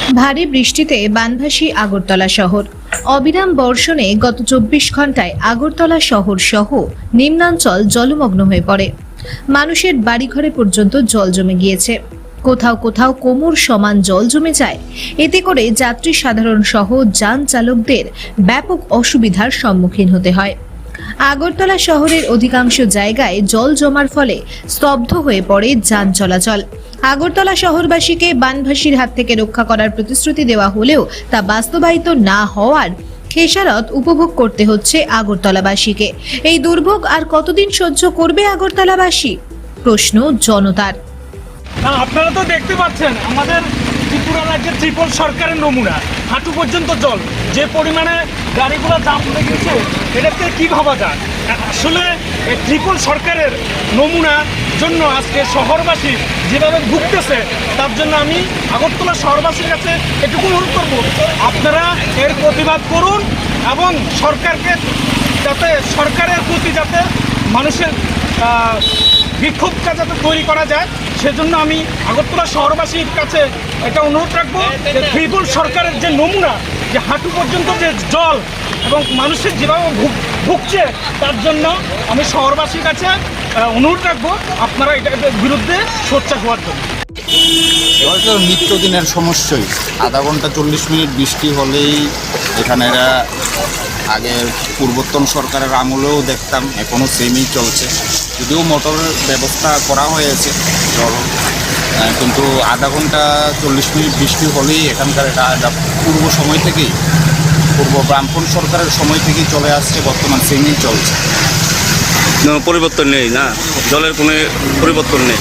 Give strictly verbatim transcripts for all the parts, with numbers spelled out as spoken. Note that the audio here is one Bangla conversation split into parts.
ভারী বৃষ্টিতে বানভাসী আগরতলা শহর। অবিরাম বর্ষণে গত চব্বিশ ঘন্টায় আগরতলা শহর সহ নিম্নাঞ্চল জলমগ্ন হয়ে পড়ে। মানুষের বাড়িঘরে পর্যন্ত জল জমে গিয়েছে। কোথাও কোথাও কোমর সমান জল জমে যায়। এতে করে যাত্রী সাধারণ সহ যান চালকদের ব্যাপক অসুবিধার সম্মুখীন হতে হয়। আগরতলা শহরের অধিকাংশ জায়গায় জল জমার ফলে স্তব্ধ হয়ে পড়ে যান চলাচল। আগরতলা শহরবাসীকে বানভাসীর হাত থেকে রক্ষা করার প্রতিশ্রুতি দেওয়া হলেও তা বাস্তবায়িত না হওয়ার খেসারত উপভোগ করতে হচ্ছে আগরতলাবাসীকে। এই দুর্ভোগ আর কতদিন সহ্য করবে আগরতলাবাসী? প্রশ্ন জনতার। না, আপনারা তো দেখতে পাচ্ছেন আমাদের ত্রিপুরা রাজ্যের ত্রিপল সরকারের নমুনা, হাঁটু পর্যন্ত জল, যে পরিমাণে গাড়িগুলো জাম হয়ে গেছে, এটাতে কি ভাবা যায়? আসলে এই ত্রিপল সরকারের নমুনার জন্য আজকে শহরবাসী যেভাবে ভুগতেছে, তার জন্য আমি আগরতলা শহরবাসীর কাছে এটুকু অনুরোধ করব, আপনারা এর প্রতিবাদ করুন এবং সরকারকে যাতে সরকারের প্রতি যাতে মানুষের বিক্ষোভটা যাতে তৈরি করা যায়, সেজন্য আমি আগরতলা শহরবাসীর কাছে এটা অনুরোধ রাখবো যে ত্রিপুল সরকারের যে নমুনা, যে হাঁটু পর্যন্ত যে জল এবং মানুষের যেভাবে ভুগছে, তার জন্য আমি শহরবাসীর কাছে অনুরোধ রাখবো আপনারা এটার বিরুদ্ধে সোচ্চার হওয়ার জন্য। এবার তো নিত্যদিনের সমস্যাই, আধা ঘন্টা চল্লিশ মিনিট বৃষ্টি হলেই এখানে এরা আগের পূর্বতন সরকারের আমলেও দেখতাম, এখনও সেমই চলছে। যদিও মোটরের ব্যবস্থা করা হয়েছে জল, কিন্তু আধা ঘন্টা চল্লিশ মিনিট বৃষ্টি হলেই এখানকার এটা এটা পূর্ব সময় থেকেই, পূর্ব ব্রাহ্মণ সরকারের সময় থেকেই চলে আসছে, বর্তমান সেমই চলছে। পরিবর্তন নেই না, জলের কোনো পরিবর্তন নেই।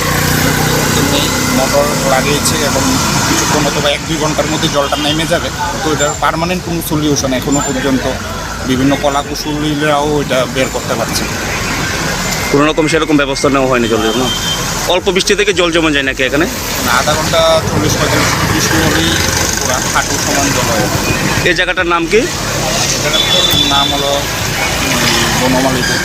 মোটর লাগিয়েছে এবং কিছুক্ষণ অথবা এক দুই ঘন্টার মধ্যে জলটা নেমে যাবে, তো এটার পার্মানেন্ট কোনো সলিউশন এখনও পর্যন্ত বিভিন্ন কলাকুশলীরাও এটা বের করতে পারছে। কোনো রকম সেরকম ব্যবস্থা নেওয়া হয়নি জলের, না? অল্প বৃষ্টি থেকে জল জমে যায় নাকি এখানে? আধা ঘন্টা চল্লিশ পঁয়তাল্লিশ বৃষ্টি হলেই পুরো হাঁটু সমান জল হয়ে যায়। এই জায়গাটার নাম কি? এটার নাম হলো বনমালীপুর,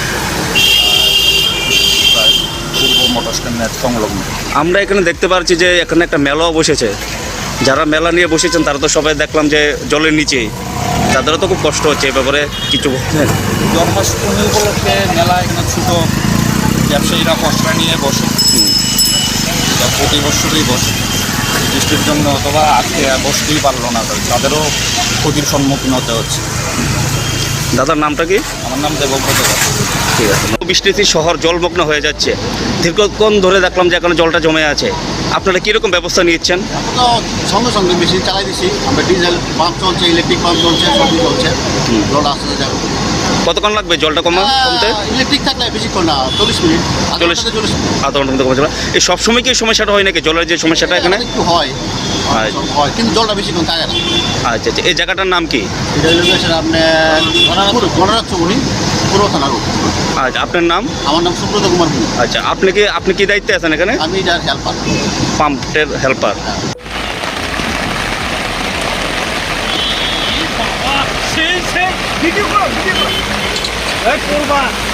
পূর্ব মোটর স্ট্যান্ডের সংলগ্ন। আমরা এখানে দেখতে পাচ্ছি যে এখানে একটা মেলাও বসেছে। যারা মেলা নিয়ে বসেছেন তারা তো সবাই দেখলাম যে জলের নিচেই, তাদেরও তো খুব কষ্ট হচ্ছে। এই ব্যাপারে কিছু বলছেন? জন্মাষ্টমী উপলক্ষে মেলা এখানে ছোটো ব্যবসায়ীরা পসরা নিয়ে বসে, প্রতি বছরই বসে। বৃষ্টির জন্য অথবা আজকে বসতেই পারলো না, তাদেরও ক্ষতির সম্মুখীন হতে হচ্ছে। দাদার নামটা কি? আমার নাম দেবব্রত। ঠিক আছে। বৃষ্টিতে শহর জলমগ্ন হয়ে যাচ্ছে, দীর্ঘক্ষণ ধরে দেখলাম যে এখানে জলটা জমে আছে। আপনারা কীরকম ব্যবস্থা নিচ্ছেন? আমরা তো সঙ্গে সঙ্গে মেশিন চালাই দিচ্ছি, আমরা ডিজেল পাম্প চলছে, ইলেকট্রিক পাম্প চলছে, সবই চলছে, জল আসতে যাবে। কতক্ষণ লাগবে জলটা কমা কমতে? ইলেকট্রিক থাকলে বেশিক্ষণ না, চল্লিশ মিনিট চল্লিশ চল্লিশ মিনিট আধা ঘন্টার মধ্যে কমে যাবে। এই সবসময় কি এই সমস্যাটা হয় নাকি, জলের যে সমস্যাটা এখানে? একটু হয় হয় কিন্তু জলটা বেশিক্ষণ থাকে না। আচ্ছা আচ্ছা। এই জায়গাটার নাম কি? এটা লোকেশন আপনার গণরাজ্য উনি পুরো থানা রোড। আচ্ছা, আপনার নাম? আমার নাম সুব্রত কুমার ভূমি। আচ্ছা, আপনি কি আপনি কি দায়িত্বে আছেন এখানে? আমি যার হেল্পার, পাম্পের হেল্পার। সেই সেই ভিডিও করো ভিডিও করো করবা